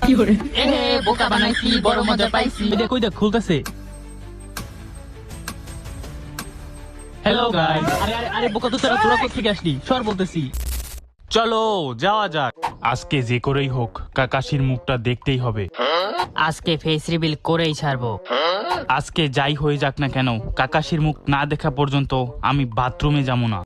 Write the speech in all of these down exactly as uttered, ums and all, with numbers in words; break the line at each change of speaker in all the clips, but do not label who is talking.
এ বোকা বানাইছি, বড় মজা পাইছি।
দেখ ওই দেখ খুলতেছে। Hello guys. আরে আরে আরে বোকা তো তোরা তোরা কোথেকে আসলি? সর বলতেছি।
চলো যাওয়া যাক। আজকে যে করেই হোক কাকাশির মুখটা দেখতেই হবে।
আজকে ফেস রিভিল করেই ছাড়বো।
আজকে যাই হয়ে যাক না কেন, কাকাশির মুখ না দেখা পর্যন্ত আমি বাথরুমে যাবো না।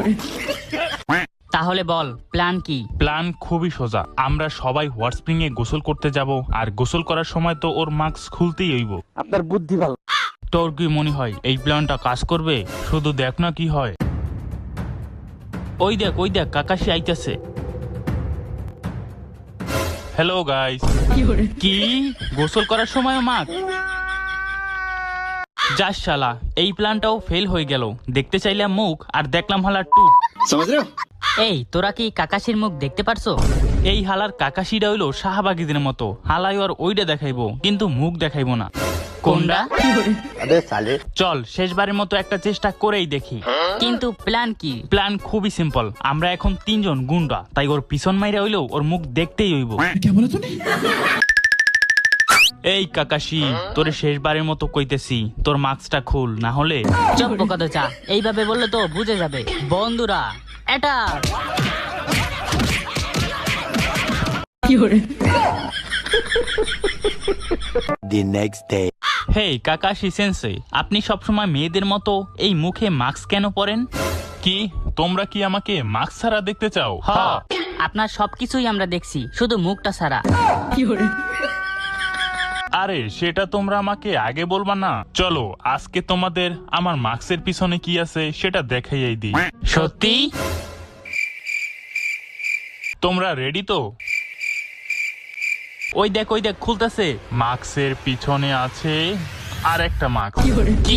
তাহলে বল প্ল্যান কি?
প্ল্যান খুবই সোজা। আমরা সবাই হট স্প্রিং এ গোসল করতে যাব, আর গোসল করার সময় তো ওর মাস্ক খুলতেই হইব।
আপনার বুদ্ধি ভালো।
তোর কি মনে হয় এই প্ল্যানটা কাজ করবে? শুধু দেখ না কি হয়। ওই দেখ ওই দেখ কাকাশি আইতাছে। Hello guys. কি গোসল করার সময় মাস্ক? যাস শালা, এই প্ল্যানটাও ফেল হয়ে গেল। দেখতে চাইলাম মুখ আর দেখলাম হালার টুট।
এই তোরা কি কাকাশির মুখ দেখতে পারছো?
এই হালার কাকাশিটা হইলো শাহবাগীদের মতো। হালাই আর ওইটা দেখাইবো কিন্তু মুখ দেখাইবো না।
কোনটা?
চল শেষবারের মতো একটা চেষ্টা করেই দেখি।
কিন্তু প্ল্যান কি?
প্ল্যান খুবই সিম্পল। আমরা এখন তিনজন গুন্ডা, তাই ওর পিছন মাইরা হইলেও ওর মুখ দেখতেই হইব। এই কাকাশি, তোরে শেষবারের মতো কইতেছি, তোর মাস্কটা খুল, না হলে
চপ কত চা। এইভাবে বললে তো বুঝে যাবে। বন্ধুরা এটা
The next day.
Hey Kakashi sensei, আপনি সবসময় মেয়েদের মতো এই মুখে মাস্ক কেন পরেন? কি তোমরা কি আমাকে মাস্ক ছাড়া দেখতে চাও?
হ্যাঁ, আপনার সবকিছুই আমরা দেখছি, শুধু মুখটা ছাড়া।
আরে সেটা তোমরা আমাকে আগে বলবা না? চলো আজকে তোমাদের আমার মাস্কের পিছনে কি আছে সেটা দেখাইয়াই দিই।
সত্যি?
তোমরা রেডি তো?
ওই দেখ ওই দেখ খুলতেছে।
মাস্কের পিছনে আছে আর একটা মাস্ক।
কি?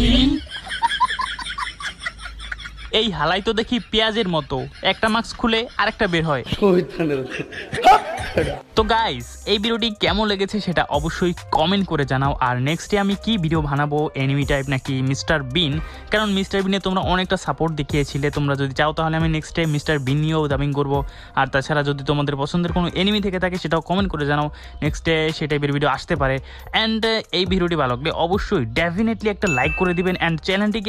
এই হালাই তো দেখি পেঁয়াজের মতো, একটা মাস্ক খুলে আরেকটা বের হয়। তো গাইস, এই ভিডিওটি কেমন লেগেছে সেটা অবশ্যই কমেন্ট করে জানাও। আর নেক্সটে আমি কি ভিডিও বানাবো, এনিমি টাইপ নাকি মিস্টার বিন? কারণ মিস্টার বিনে তোমরা অনেকটা সাপোর্ট দেখিয়েছিলে। তোমরা যদি চাও তাহলে আমি নেক্সটে মিস্টার বিন নিয়েও ডাবিং করবো। আর তাছাড়া যদি তোমাদের পছন্দের কোনো এনিমি থেকে থাকে সেটাও কমেন্ট করে জানাও, নেক্সটে সেই টাইপের ভিডিও আসতে পারে। অ্যান্ড এই ভিডিওটি ভালো লাগলে অবশ্যই ডেফিনেটলি একটা লাইক করে দিবেন। অ্যান্ড চ্যানেলটিকে